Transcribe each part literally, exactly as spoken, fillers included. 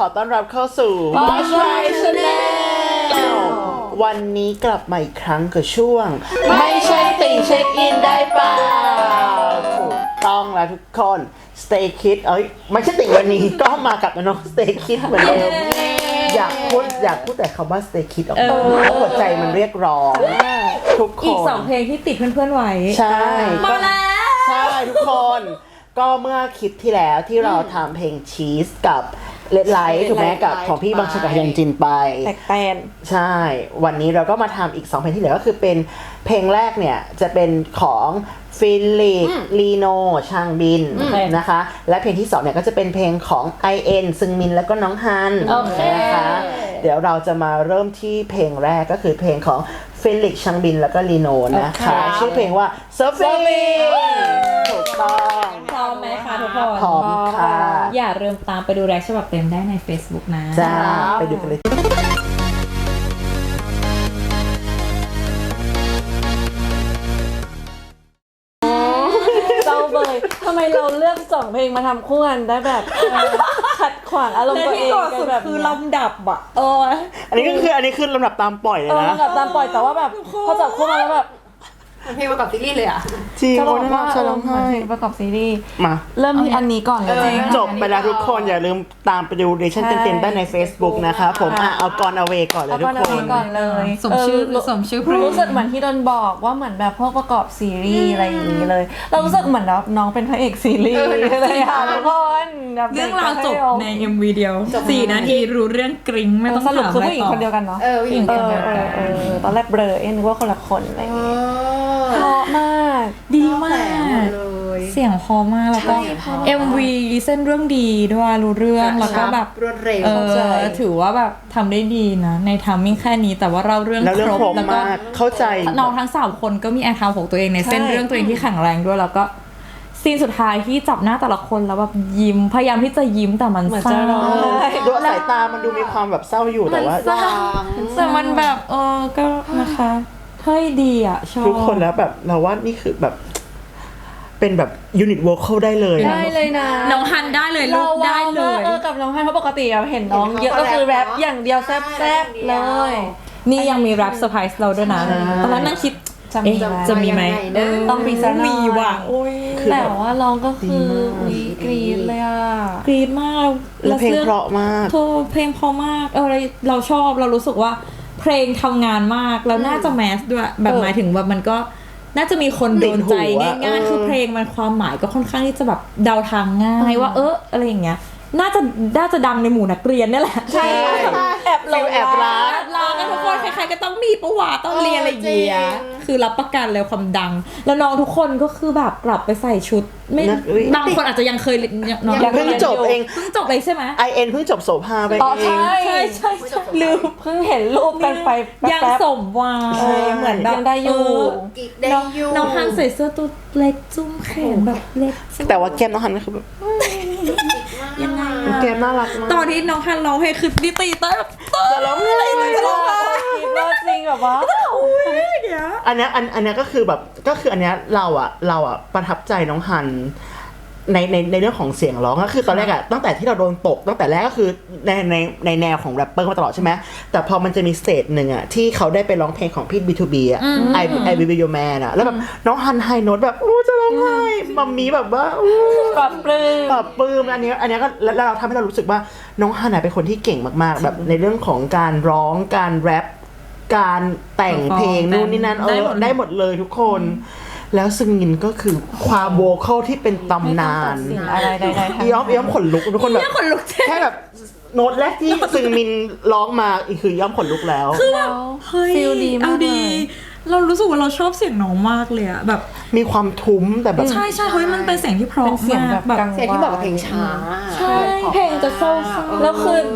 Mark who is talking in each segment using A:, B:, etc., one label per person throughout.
A: อต้อนรับเข้าสู่
B: Watch My Channel
A: วันนี้กลับมาอีกครั้งกับช่วงไม่ใช่ติ่งเช็คอินได้เปล่าถูกต้องแล้วทุกคน Stay Kids เอ้ยไม่ใช่ติ่งวันนี้ก็มากับน้อง Stay Kids เหมือนเดิมอยากพูดอยากพูดแต่คำว่า Stay Kids ออกมาเพราะหัวใจมันเรียกร้องทุกคน
B: อีกสองเพลงที่ติดเพื่อนๆไว้
A: ใช่
B: มาแล้ว
A: ใช่ทุกคนก็เมื่อคลิปที่แล้วที่เราทำเพลงชีสกับเลดไลท์ถูกไหมกับของพี่บังชกะยันจินไป
B: แตกแตน
A: ใช่วันนี้เราก็มาทำอีกสองเพลงที่เหลือก็คือเป็นเพลงแรกเนี่ยจะเป็นของฟิลิปลีโนชางบินนะคะและเพลงที่สองเนี่ยก็จะเป็นเพลงของ ไอ เอ็น ซึงมินแล้วก็น้องฮันนะคะเดี๋ยวเราจะมาเริ่มที่เพลงแรกก็คือเพลงของฟิลิปชางบินแล้วก็ลีโนนะคะชื่อเพลงว่า Surfing ถูกต้อง
B: พร้อมไหมคะทุกคน
A: พร้อมค่ะ
B: อย่าลืมตามไปดูแรกฉบับเต็มได้ใน Facebook นะ
A: จ้าไปดูกันเลย
C: เศร้าเบยทำไมเราเลือกสองเพลงมาทำคู่กันได้แบบขัดขวางอารมณ์ตัวเองกันแบบ
B: คือลำดับอ่ะเออ
A: อันนี้ก็คืออันนี้คือลำดับตามปล่อยเลยนะ
C: ลำดับตามปล่อยแต่ว่าแบบพอจับคู่มาแล้วแบบ
D: เพลงประกอบซีรีส์เลยอ่ะ
A: จริง
C: จะบอกว่า
A: จะร้องไห้
C: ประกอบซีรีส์
A: มา
C: เริ่มที่อันนี้ก่อนเลย
A: จบไปแล้วทุกคนอย่าลืมตามไปดูเรชั่นเต็มๆได้ใน Facebook นะคะผมอ่ะเอากอนเอาเวก่อนเลยทุกคน
C: ก่อนเลย
B: สมชื่อสมชื่อ
C: รู้สึกเหมือนที่โดนบอกว่าเหมือนแบบพวกประกอบซีรีส์อะไรอย่างนี้เลยเรารู้สึกเหมือนแบบน้องเป็นพระเอกซีรีส์เลยค่ะทุกคน
B: เรื่องราวจบใน เอ็ม วี เดียวสี่นาทีรู้เรื่องกริ๊งไม่ต้อง
C: สรุป
B: ถาม
C: คือ
B: อะไร
C: ผู้หญิง
B: ต่อ
C: คนเดียวกันเนาะ
D: เออผู้หญิงคนเดียวกัน
C: เออตอนแรกเบลอเอ็นว่าคนละคนอะไรอย่างเงี้ยเพราะมาก
B: ดีมากเสียงพอมากแล้วก็ เอ็ม วี เส้นเรื่องดีด้วยรู้เรื่องแล้วก็แบบ
D: รวดเร็ว
B: เออถือว่าแบบทำได้ดีนะในทามมิ่งแค่นี้แต่ว่าเราเรื่องครบแล้วก็
A: เข้าใจ
B: น้องทั้งสามคนก็มีแอคเคาท์ของตัวเองในเส้นเรื่องตัวเองที่แข็งแรงด้วยแล้วก็ซีนสุดท้ายที่จับหน้าแต่ละคนแล้วแบบยิ้มพยายามที่จะยิ้มแต่มันเศร้า
A: ดูสายตามันดูมีความแบบเศร้าอยู่แต่ว่า
B: แต่มันแบบเออก็นะคะเฮ้ยดีอ่ะชอบ
A: ทุกคนแล้วแบบเราว่านี่คือแบบเป็นแบบยูนิตโวคอลได้เลย
C: ได้เลยนะ
B: น้องฮันได้เลยลูกได้เลย
C: เออกับน้องฮันเพราะปกติเราเห็นน้องเยอะก็คือแรปอย่างเดียวแซ่บๆเลย
B: นี่ยังมีแรปเซอร์ไพรส์เราด้วยนะตอนนั้นนั่งคิดจะมีไหม
C: ต้องมีสักหน่อย
B: มีว่ะ
C: แต่ว่าร้องก็คือกรี๊ดเลยอ่ะ
B: กรี๊ดมาก
A: แล้วเพลงเพราะมาก
B: โทรเพลงเพราะมากเออเราชอบเรารู้สึกว่าเพลงทำงานมากแล้วน่าจะแมสด้วยแบบหมายถึงว่ามันก็น่าจะมีคนโดนใจง่ายๆคือเพลงมันความหมายก็ค่อนข้างที่จะแบบเดาทางง่ายว่าเอออะไรอย่างเงี้ยน่าจะน่าจะดังในหมู่นักเรียนนี่แหละ
C: ใช่แอบเรา
A: แอบรัก
B: ลากันทุกคนใครๆก็ต้องมีประวัติต้องเรียนอะไรอย่างเงี้ยคือรับประกันเลยความดังแล้วน้องทุกคนก็คือแบบกลับไปใส่ชุดไม่บางคนอาจจะยังเคยน้อง
A: เพิ่งจบเอง
B: เพิ่งจบเลยใช่ไหม
A: ไอ เอ็น เพิ่งจบโสภาไปเอง
C: ใช่
B: ใช่ใช่ลืม
C: เพิ่งเห็นรูปกันไป
B: ยังสมวัยเหมือนแบบ
C: ได้อยู่
B: น้องฮันใส่เสื้อตัวเล็กจุ้มแขนแบบเล็ก
A: แต่ว่าแก้มน้องฮันก็คือแบบ
B: ยังไง
A: แก้มน่ารักมาก
B: ตอนที่น้องฮันร้องเพลงคือดิตีเต้แบบ
A: จะร้องไห้เลย
C: จะร้องไห้คิดว่าจริงแบบว่า
A: อันนี้อันอันนี้ก็คือแบบก็คืออันนี้เราอะเราอะประทับใจน้องฮันในในในเรื่องของเสียงร้องก็คือตอนแรกอะตั้งแต่ที่เราโดนตกตั้งแต่แรกก็คือในในในแนวของแรปเปอร์มาตลอดใช่ไหมแต่พอมันจะมีสเตจหนึ่งอะที่เขาได้ไปร้องเพลงของพี่ บี ทู บี อะ I I Will Be Your Man อะแล้วแบบน้องฮันไฮโน้ตแบบโอ้จะร้องไห้มัมมี่แบบว่า
C: ปรับปรื้ม
A: ปรับปรื้มอันนี้อันนี้ก็แล้วเราทำให้เรารู้สึกว่าน้องฮันเป็นคนที่เก่งมากๆแบบในเรื่องของการร้องการแรปการแต่งเพลงนู่นนี่นั่นเออได้หมดเลยทุกคนแล้วซึงมินก็คือความโวคอลที่เป็นตำนาน
C: อะไรใดๆ
A: ย้อมย้อมขนลุกทุกคนแบบแค่แบบโน้ตแรกที่ซึงมินร้องมาอีกคือย้อมขนลุกแล้ว
B: คือแบบเฮ้ยเอาดีเรารู้สึกว่าเราชอบเสียงน้องมากเลยอะแบบ
A: มีความทุ้มแต่แบบ
B: ใช่ใช่เฮ้ยมันเป็นเสียงที่เพราะมาก
C: แบบ
D: เสียงที่บอกกับเพลงช้า
C: ใช่เพลงจะเศร้าแล้วคือ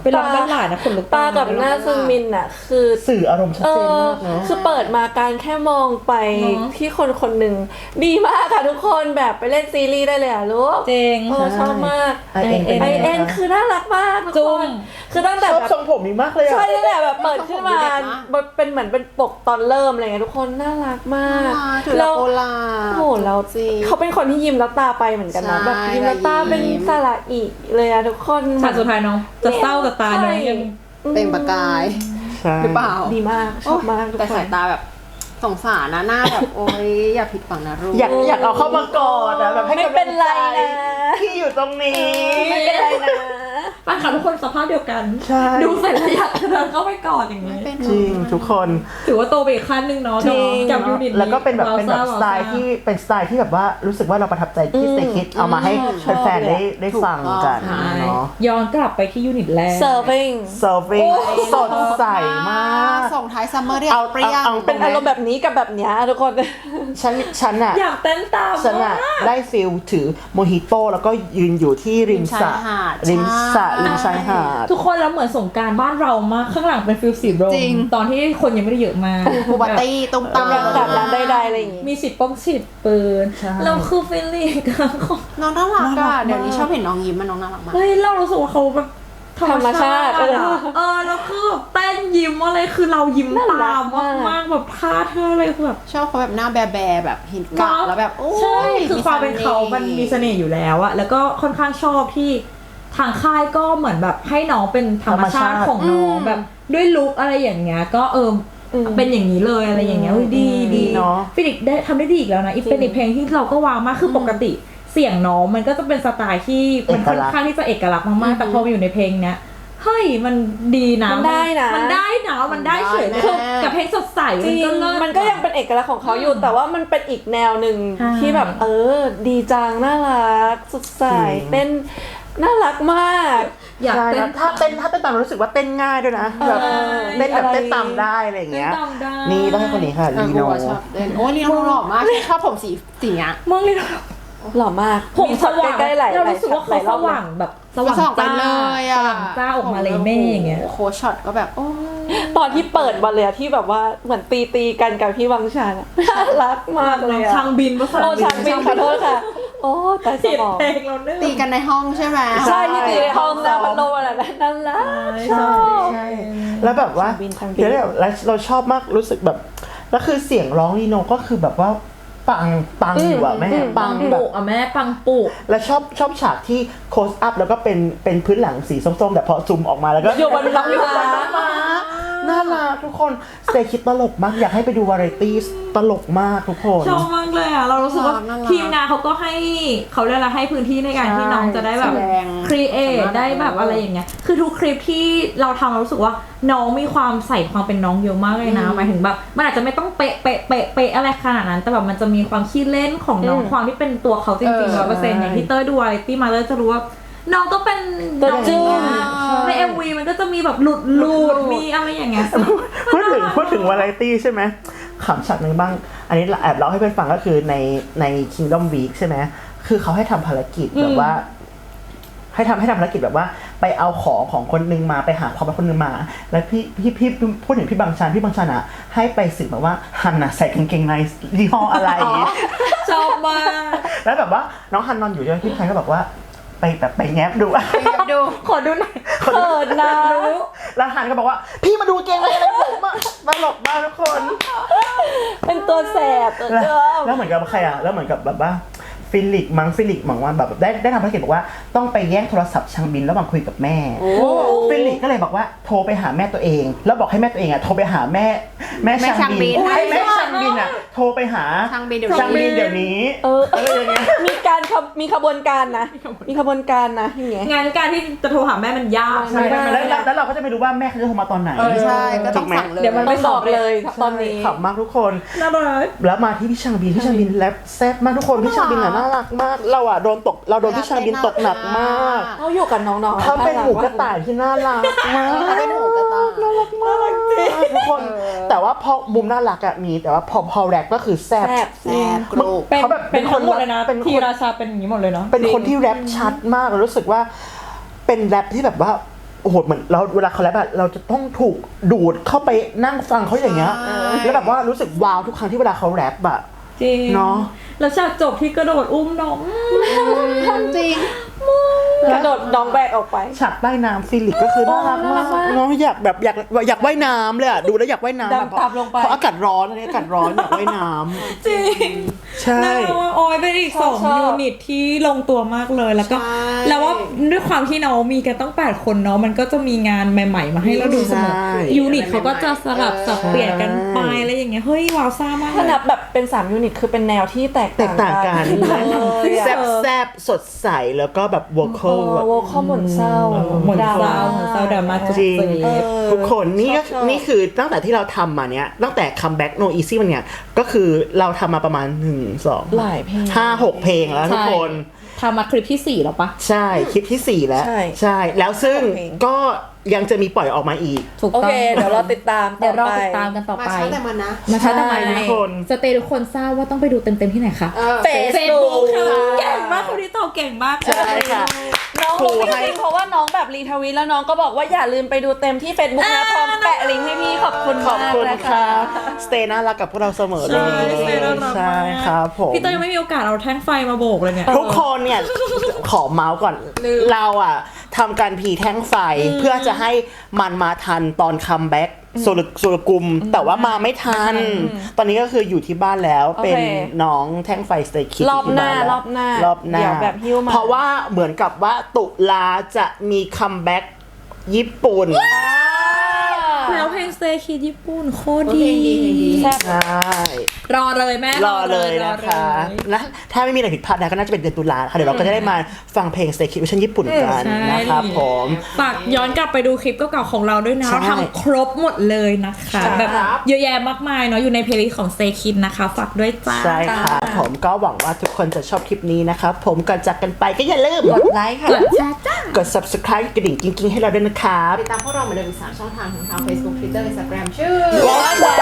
B: ไปร้องบ้านหลานนะคนลุก
C: ตากับหน้าซึงมินอ่ะคือ
A: สื่ออารมณ์ชัด
C: เอ
A: เจน
C: อ
A: มากเนาะ
C: คือเปิดมาการแค่มองไปที่คนคนหนึ่งดีมากค่ะทุกคนแบบไปเล่นซีรีส์ได้เลยอ่ะลูก
B: เจง
C: เออชอบมาก
A: ไอเอ็นเป็น
C: ไอ
A: ไง
C: เอ็น
A: คะ
C: คือน่ารักมากทุก
B: จุ๊
C: ค
B: บ
C: นคือตั้งแต่
A: ชอบ
C: แบบ
A: ทรงผมนี้มากเลยอะ
C: ใช่ตั้งแต่แบบเปิดขึ้นมา
D: เด็กนะ
C: เป็นเหมือนเป็นปกตอนเริ่มอะไรเงี้ยทุกคนน่ารักมาก
D: ถือ
C: แล้
D: แล้ว วโอลา
C: โอ้โหแล้ว
D: จริง
C: เขาเป็นคนที่ยิ้มแล้วตาไปเหมือนกันนะ
D: ใช่
C: แบบยิ้มแล้วตาเป็น
D: ยิ้ม
C: สระอีเลยอะทุกคน
B: ฉากสุดท้ายน้องจะเศร้าแต่ตาน้องยัง
D: เป็นประกาย
A: ใช่
D: หรือเปล่า
C: ดีมากชอบมากทุก
D: แต่
C: ค
D: สาน ยตาแบบสงสารนะหน้าแบบ โอ๊ยอย่าผิดหวังนะลูก
A: อยากอยากเอาเข้ามากอดอะแบบให้
C: ไม่
A: กำ
C: เป็
A: ลั
C: น
A: ง
C: ไร
A: ใจ
C: นะ
A: ที่อยู่ตรงนี้
C: ไม่เป็นไรนะ
B: ป้าค่ะทุกคนสภาพเดียวกัน
A: ใช่
B: ดูเสร็จแล้วอยากเดินเข้าไปกอดอย่างนี้
D: เป็น
A: จริงทุกคน
B: ถือว่าโตไปอีกขั้นหนึ่งเนาะ
C: จริง
B: กับยูนิตนี้
A: แล้วก็เป็นแบบ
B: วาว
A: เป็นแบบ
B: ซ่า
A: สไตล์
B: วาวซ่า
A: ที่เป็นสไตล์ที่แบบว่ารู้สึกว่าเราประทับใจที่สเตคิดเอามาให้แฟนๆได้ได้ฟังกัน
B: ใช่
A: เนาะ
B: ย้อนกลับไปที่ยูนิตแรก
C: serving
A: เซอร์วิงสดใสมาก
D: ส่งท้ายซัมเมอร์เรียก
A: เอา
D: เปรี้ยง
A: เอา
C: เป็นอารมณ์แบบนี้กับแบบเนี้ยทุกคน
A: ฉันฉันอะ
B: อยากเต้นตาม
A: ฉันอะ
B: มาก
A: ได้ฟิลถือโมฮิโต้แล้วก็ยืนอยู่ที่ริมสระ
D: ริมชายหาด
A: ริมสระ
D: ใช่
A: ริมชายหาด
B: ทุกคนแล้วเหมือนสงกรารบ้านเรามากข้างหลังเป็นฟิลสีโรม
D: จริง
B: ตอนที่คนยังไม่ได้เยอะมาก
D: บูบัตตี้ตุ้มตาม
C: กำลังจัดร้านใดๆอะไรอย่างงี้
B: มีฉีดป้องฉีดปืน
A: ใช่
B: เราคือฟิลลิ่งกันของ
D: น้องน่ารัก
A: น่ารั
D: อะ
A: กมาก
D: เดี๋ยวนี้ชอบเห็นน้องยิ้มมันน้องน่ารักมาก
B: เฮ้ยเรารู้สึกว่าเขาแบบธรรมชาติ
C: ธรรมชาติ
B: อะเออแล้วคือแบบเต้นยิ้มอะไรคือเรายิ้ม
C: น่ารั
B: ตาก ม
C: มาก
B: มากๆแบบท่าเธออะไรคือแบบ
D: ชอบเขาแบบหน้าแบแบๆแบบเห็นกะแล้วแบบโอ้ย
B: ใช่คือความเป็นเขา
D: ส
B: มันมีเสน่ห์อยู่แล้วอะแล้วก็ค่อนข้างชอบที่ทางค่ายก็เหมือนแบบให้น้องเป็นธรรมชาติของน้องแบบด้วยลุคอะไรอย่างเงี้ยก็เอออ
C: ม
B: เป็นอย่างนี้เลยอะไรอย่างเงี้ยเฮ้ยดี
A: ดีเนอะ
B: ฟิลิกได้ทำได้ดีอีกแล้วนะอีกเป็นอีกเพลงที่เราก็วางมากคือปกติเสียงน้องมันก็จะเป็นสไตล์ที่มันค่อนข้างที่จะเอกลักษณ์มากๆแต่พอมาอยู่ในเพลงเนี้ยเฮ้ยมันดีนะ
C: มันได้นะ
B: มันได้นะมันได้เฉย
D: มันได้
B: คือ
D: แน่
B: กับเพลงสดใส
C: จ
B: มัน
C: ริง
B: ก็เลิศ
C: มันก็ยังเป็นเอกลักษณ์ของเขาอยู่ แต่ว่ามันเป็นอีกแนวหนึ่ง
B: ใช่
C: ที่แบบเออ ดีจังน่ารักสดใส
A: จริง
C: เต้นน่ารักมาก
B: อยาก
A: ใช่
B: เต้
A: แล้
B: น
A: วถ้าเต้นถ้าเต้นตามรู้สึกว่าเต้นง่ายด้วยนะแบบเต้นแบบ
C: อะไร
A: เต้นตามได้อะไรอย่างเงี้ย
B: เต้นตามได้
A: นี่ต้องให้คนนี้ค่ะ
D: เออ
A: ลี
D: กู
A: โน
D: อะชอบเต้นโอ้ยลีโน่หล่อมากชอบผมสีสีเนี้ย
B: มึงเลย
C: หล่อมาก
B: ผม
C: มี
B: ส
C: ช็อต
B: ว่าง
C: ใกล้ๆหลาย
B: เรา
C: หลาย
B: รู้สึกว่า
C: ห
B: เขา
C: ลายร
B: ส
C: อบเลย
B: ว่างแบบสว่าง
D: สว่างไป
B: จ้า
D: เลยอะ
B: สว่างจ้าออกมาเลยแม่อย่างเงี้ย
D: โอ้โหช็อตก็แบบโอ้ย
C: ตอนที่เปิดมาเลยอะที่แบบว่าเหมือนตีตีๆกันกับพี่วังชาญอะน่ารักมากเลยอะ
B: ช่างบินภาษา
C: โอ้ช่างบินขอโทษค่ะ โอ้แต่ส
B: เสีย
C: มอง
B: เพลงเราเนื่อ
D: ตีกันในห้องใช่ไหม
C: ใช่ที่ตีในห้องน้ำพัดลมอะไรนั่นแหละ
B: ใช่
A: ใช่แล้วแบบว่า
C: ทางบินทางบิน
A: เดี๋ยวแบบแล้วเราชอบมากรู้สึกแบบแล้วคือเสียงร้องลีโนก็คือแบบว่าปังปังอยู่อะแม่ปั
B: ปั
A: ง
B: ง
A: แบ
B: ปุ
A: บ
B: อ่ะแม่ปังปุ
A: แล้วชอบชอบฉากที่โคสอัพแล้วก็เป็นเป็นพื้นหลังสีส้มๆแต่พอซูมออกมาแล้วก็
C: อยู่บนน้ำ
A: อยู่บน
C: ม้า
A: น้ำม้าน่ารักทุกคนสเตคิดตลกมากอยากให้ไปดูวาไรตี้ตลกมากทุกคน
B: ชอบมากเลยอ่ะเรารู้สึกว่า
D: น่ารัก
B: ทีมงานเขาก็ให้เขาเรียกอะไรให้พื้นที่ในการ
A: ใช่
B: ที่น้องจะได้แบบ
D: แสดง
B: ครีเอท
D: สามารถ
B: ได้แบบอะไรอย่างเงี้ยคือทุกคลิปที่เราทำเรารู้สึกว่าน้องมีความใส่ความเป็นน้องเยอะมากเลยนะหมายถึงแบบมันอาจจะไม่ต้องเป๊ะเป๊ะเป๊ะเป๊ะอะไรขนาดนั้น แต่แบบมันจะมีความขี้เล่นของน้องความที่เป็นตัวเขาจริงๆร้อยเปอร์เซ็นต์อย่างที่เต้ยดูวาไรตี้มาเต้ยจะรู้ว่าน้องก็เป็น
C: ตัว
B: น้อง
C: จริง
B: ใน เอ็ม วี มันก็จะมีแบบหลุดหลุดมีอะไรอย่างเงี้ยซึ่ง
A: พูดถึงพูดถึงวาไรตี้ใช่ไหมขำฉากหนึ่งบ้าง อันนี้แอบเล่าให้เพื่อนฟังก็คือในใน Kingdom Week ใช่ไหมคือเขาให้ทำภารกิจแบบว่า ให้ทำให้ทำภารกิจแบบว่าไปเอาของของคนนึงมาไปหาความเป็นคนนึงมา แล้วพี่พี่พี่พูดถึงพี่บางชันพี่บางชันอ่ะให้ไปสืบแบบว่าฮันน่ะใส่กางเกงในยี่ห้ออะไร
B: ชอบมาก
A: แล้วแบบว่าน้องฮันนอนอยู่ใช่ไหมพี่บางชันก็บอกว่าไปแบบไปแงบดู
D: ดู
B: ขอดูหน่อย
C: เขินนะ
A: แล้วฮันก็บอกว่าพี่มาดูกางเกงในอะไรผมอะตลกมากทุกคน
C: เป็นตัวแสบตัว
A: แล้ว
C: เดิม
A: แล้วเหมือนกับใครอ่ะแล้วเหมือนกับแบบว่าฟิลิกมั้งฟิลิกหมังว่าแบบได้ได้ทำภารกิจบอกว่าต้องไปแย่งโทรศัพท์ชางบินระหว่างคุยกับแม่ฟิลิกก็เลยบอกว่าโทรไปหาแม่ตัวเอง แล้วบอกให้แม่ตัวเองอ่ะโทรไปหาแม่แม่
D: แม่
A: ชางบิน
D: ชางบิน
A: ให้แม่ชางบินอ่ะโทรไปหา
D: ช่างบินเดี๋ยว
A: ชางบินเดี๋ยวนี้
C: เออ
A: อะไรอย่างเงี้ย
C: มีการขบมีขบวนการนะ มีขบวนการนะอย่างเงี้ย
B: งานการที่จะโทรหาแม่มันยาก
A: ใช่
C: ไม่ได้
A: แล้วแล้วแล้วเราก็จะไม่รู้ว่าแม่เขาจะโทรมาตอนไหน
D: เออใช่ก็ต้อง
A: ถูไหม
D: สั่งเลย
B: เดี๋ยวมัน
C: ต้องบอกเลยตอนนี้
A: ขำมากทุกคน
B: น่ารัก
A: แล้วมาที่พี่ชางบินพี่ชางบินแรปแซ่บมากทุกคนพี่ชางบินอ่ะน่ารักมากเราอ่ะโดนตกเราโดนพี่ชางบินตกหนักมาก
C: เขาอยู่กับน้องๆ
A: เขาเป็นหมูกระต่ายที่น่ารักมาก
D: เขาเป็นหมูกระต่าย
A: น่ารักมากจริงทุกคน แต่ว่าพอมุมน่ารักอะมีแต่ว่าพอพอแรปก็คือแซ่บ
C: แซ่บ
D: แซ่บกรุบ
B: เป็น
A: เขาแบบ
B: เป็น
A: เป็น
B: คนหมด
A: คน
B: เลยนะ
A: เป็นคน
B: ทีราชาเป็นอย่างนี้หมดเลยเนาะ
A: เป็นคนที่แรปชัดมากแล้วรู้สึกว่าเป็นแรปที่แบบว่าโอ้โหเหมือนเราเวลาเขาแรปอะเราจะต้องถูกดูดเข้าไปนั่งฟังเขาอย่างเงี้ยแล้วแบบว่ารู้สึกว้าวทุกครั้งที่เวลาเขาแรปอะ
B: จริง
A: เนาะ
B: แล้วฉากจบที่กระโดดอุ้มน้อง
D: จริง
C: กระโดดน้องแบกออกไป
A: ฉากใต้น้ำฟิลิปก็คือน่ารักมากเนาะอยากแบบอยากอยากว่ายน้ำเลยอะดูแล้วอยากว่ายน้ำแบบ
C: ดำตามลงไป
A: เพราะอากาศร้อนอันนี้อากาศร้อนอยากว่ายน้ำ
B: จริง
A: ใช่
B: น่ารักว่าโอ้ยเป็นอีกสอง
C: ชอบ
B: ยูนิตที่ลงตัวมากเลยแล้วก็
D: ใช่
B: แล้วว่าด้วยความที่น้องมีกันต้องแปดคนเนาะมันก็จะมีงานใหม่ๆมาให้เราดูเสมอ
A: ใช่
B: ยูนิตเขาก็จะสลับสับเปลี่ยนกันไปอะไรอย่างเงี้ยเฮ้ยว้าวซ่ามากเล
C: ถ้าย นับแบบเป็นสามยูนิตคือเป็นแนวที่แตก
A: แตกต่างกัน
C: เลยอะ
A: แซบแซบสดใสแล้วก็แบบวอลคอลแบบ
C: โวคอลหม่นเศร้า
B: เหมือน
C: ดรา
B: เศร้า
C: ม่า
B: เหมือนเศร้าดราม่าจุด
A: จริง
B: เจ็บ
A: ทุกคนนี่ก็
C: ชอบ
A: นี่คือตั้งแต่ที่เราทำมาเนี้ยตั้งแต่คัมแบ็กโนอีซี่มันเนี่ยก็คือเราทำมาประมาณหนึ่งสอง
C: หลายเพลง
A: ห้าหกเพลงแล้วทุกคน
B: ทำมาคลิปที่สี่แล้วปะ
A: ใช่คลิปที่สี่แล้ว
C: ใช่
A: ใช่แล้วซึ่ง
C: เพลง
A: ก็ยังจะมีปล่อยออกมาอีก
B: ถูก
C: โอ
B: ต้อง
C: เค เดี๋ยวเราติดตาม
B: เดี๋ยวเรา
C: ต่อไป
B: ติดตามกันต่อ
D: มา
B: ไป
D: ช้าแต่มันนะ
B: มาช้าแต่มา
C: ใช่
B: นะ
A: ทุกคน
B: สเตย์ทุกคนทราบว่าต้องไปดูเต็มๆที่ไหนคะ
D: เออ
C: Facebook
B: ค่ะเก่งมากคนนี้ตอบเก่งมาก
A: ใช่ค่ะ
C: น้อง
A: ครู
C: รู้
A: ให้
C: จริงๆเพราะว่าน้องแบบรีทวิตแล้วน้องก็บอกว่าอย่าลืมไปดูเต็มที่ Facebook นะพร้อมแปะลิงก์ให้พี่ขอบคุณ
A: ขอบ
C: มาก
A: คุณ
C: นะ
A: ครั
C: คะ
A: บสเตย์น่ารักกับพวกเราเสมอเล
B: ใช่
A: ย
B: สเตย์น่ารัก
A: ใช่
B: มาก
A: ครับผม
B: พี่เต้ยยังไม่มีโอกาสเอาแท่งไฟมาโบกเลยเนี่ย
A: ทุกคนเนี่ย ขอเมาส์ก่อน เราอ่ะทำการพีแท่งไฟเพื่อจะให้มันมาทันตอนคัมแบ็กโซลโซลกุม แต่ว่ามาไม่ทัน ตอนนี้ก็คืออยู่ที่บ้านแล้ว
C: โอเค
A: เป็นน้องแท่งไฟสเตย์คิด
C: รอบหน้า
A: ที่
C: ร
A: แล้ว
C: อบหน้าร
A: อบหน้า
C: เดี๋ยวแบบหิ้วมา
A: เพราะว่าเหมือนกับว่าตุลาจะมีคัมแบ็กญี่ปุ่น
B: แล้วเพลง Stay Kids ญี่ปุ่นโคตร
D: เพ
B: ดี
D: ลงดีเพลงดี
C: แซ่บ
A: ใช่
B: รอเลยแม่
A: รอเลยนะ
B: รอ
A: คะ
B: เลย
A: และถ้าไม่มีอะไรผิดพลาดนะก็น่าจะเป็นเดือนตุลาค่ะเดี๋ยวเราก็จะได้มาฟังเพลง Stay Kids เวอร์ชันญี่ปุ่นกัน
B: ใช่
A: นะครับผม
B: ฝากย้อนกลับไปดูคลิปเก่าๆของเราด้วยนะ
A: ใช่
B: เราทำครบหมดเลยนะคะ แบบเยอะแยะมากมายเนาะอยู่ในเพลย์ลิสต์ของ Stay Kids นะคะ ฝากด้วยจ้า
A: ใช่ค่ะผมก็หวังว่าทุกคนจะชอบคลิปนี้นะครับผมก่อนจากกันไปก็อย่าลืม
C: กดไลค์ค่ะ
B: กดแชร์จ้า
A: กด subscribe กระดิ่งกิ๊งๆให้เราด้วยนะครับ
D: ติดตามพวกเราเหมือนเดิมอีกสามช่องทางของทาง Facebook Twitter Instagram ชื่อ
A: Watch My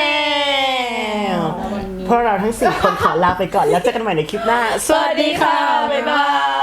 A: Channel พวกเราทั้งสี่คนขอลาไปก่อนแล้วเจอกันใหม่ในคลิปหน้า สวัสดีค่ะ บ๊ายบาย